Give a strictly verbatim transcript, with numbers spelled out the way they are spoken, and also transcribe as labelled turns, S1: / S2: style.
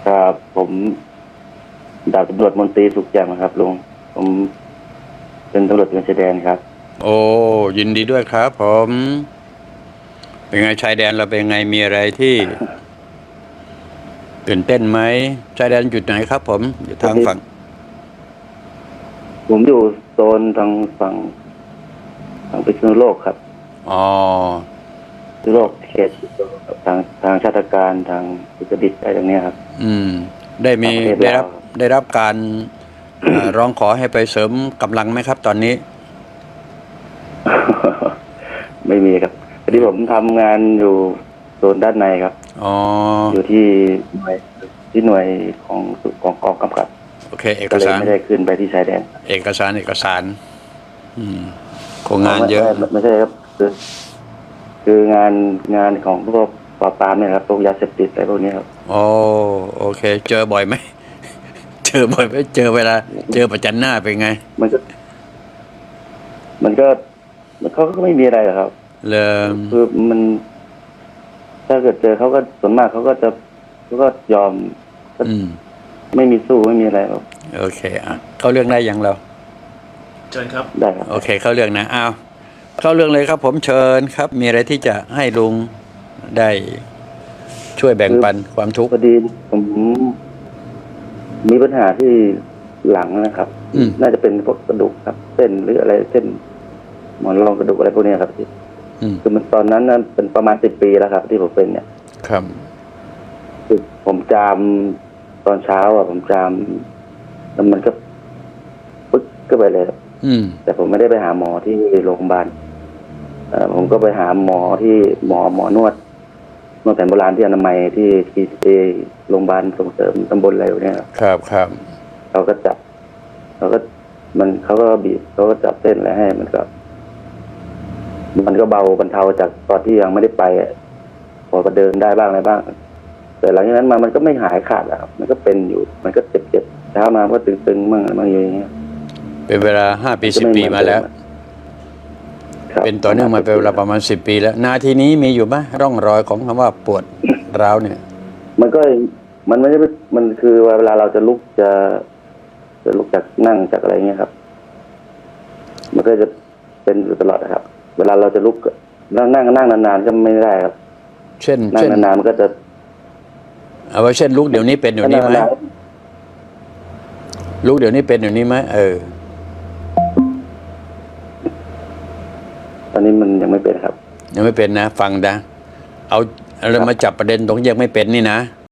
S1: ครับผมดาบตำรวจมนตรีสุขแจ่มครับลุงผมเป็นตำรวจตระเวนชายแดนครับ
S2: โอ้ยินดีด้วยครับผมเป็นไงชายแดนเราเป็นไงมีอะไรที่ตื่นเต้นไหมชายแดนจุดไหนครับผมอยู่ทางฝั่ง
S1: ผมอยู่โซนทางฝั่งทางพิษณุโลกครับ
S2: อ๋อ
S1: พิษณุโลกเขตทางทางชาติการทางอุตรดิตถ์อะไรตรงนี้ครับ
S2: อืมได้มีได้รับได้รับการเอ่อร้องขอให้ไปเสริมกำลังไหมครับ ตอนนี้
S1: ไม่มีครับพอดีผมทำงานอยู่โซนด้านในครับ
S2: อ๋อ
S1: อยู่ที่หน่วยที่หน่วยของของกองกำกับ
S2: โอเคเอ
S1: ก็เลย
S2: กสาร
S1: ไม่ได้ขึ้นไปที่ชายแดน
S2: เอกสารเอกสาร อืมคงงานเยอะ
S1: ไม่ไม่ใช่ครับคือคืองานงานของพวกปราบปรามเนี่ยครับพวกยาเสพติดอะไรพวกนี้ครับ
S2: โอ้โอเค เจอบ่อยไหม เจอบ่อยไหมเจอเวลา เจอประจันหน้าเป็นไง
S1: มันก็ มันก็เขาก็ไม่มีอะไรหรอกครับ
S2: เริ่ม
S1: คือมัน ถ้าเกิดเจอเขาก็ส่วนมากเขาก็จะเขาก็ยอม
S2: อืม
S1: ไม่มีสู้ไม่มีอะไรครับ
S2: โอเคอ่ะเข้าเรื่องได้ยังเรา
S3: เชิญครับ
S1: ได้ครับ
S2: โอเค เข้าเรื่องนะอ้าวเข้าเรื่องเลยครับ ผมเชิญครับ มีอะไรที่จะให้ลุงได้ช่วยแบ่งปันความทุกข์
S1: พอดีผมมีปัญหาที่หลังนะครับน่าจะเป็นพวกกระดูกครับเส้นหรืออะไรเส้นหมอนรองกระดูกอะไรพวกนี้ครับที่คือมันตอนนั้นนั้นเป็นประมาณสิบปีแล้วครับ ที่ผมเป็นเนี่ย
S2: ครับ
S1: คือผมจามตอนเช้าอ่ะผมจามแล้วมันก็ปึ๊กก็ไปเลย
S2: อืม
S1: แต่ผมไม่ได้ไปหาหมอที่โรงพยาบาลเอ่อผมก็ไปหาหมอที่หมอหมอนวดนวดแผนโบราณที่อนามัยที่ทีเอโรงพยาบาลส่งเสริมตำบลอะไรเนี่ย
S2: ครับครับ
S1: เขาก็จับเขาก็มันเขาก็บีบเขาก็จับเส้นอะไรให้มันก็มันก็เบาบรรเทาจากตอนที่ยังไม่ได้ไปพอประเดินได้บ้างอะไรบ้างแต่หลังจากนั้นมามันก็ไม่หายขาดแล้วมันก็เป็นอยู่มันก็เจ็บเจ็บเช้ามาก็ตึงๆมั่งอะไรมั่งอย่างเงี้ย
S2: เป็นเวลาห้าปีสิบปีมาแล้วเป็นต่อเนื่องมาเป็นเวลาประมาณสิบปีแล้วนาทีนี้มีอยู่ไหมร่องรอยของคำว่าปวดร้าวเนี่ย
S1: มันก็มันไม่ได้มันคือเวลาเราจะลุกจะจะลุกจากนั่งจากอะไรเงี้ยครับมันก็จะเป็นอยู่ตลอดนะครับ เวลาเราจะลุกนั่งนั่งนั่งนานๆก็ไม่ได้ครับ
S2: เช่น
S1: นั่งนานๆมันก็จะ
S2: เอาไว้เช่นลุกเดี๋ยวนี้เป็นเดี๋ยวนี้ไหมลุกเดี๋ยวนี้เป็นเดี๋ยวนี้ไหมเออ
S1: ตอนนี้มันยังไม่เป็นครับ
S2: ยังไม่เป็นนะฟังนะเอาเรามาจับประเด็นตรงยังไม่เป็นนี่นะ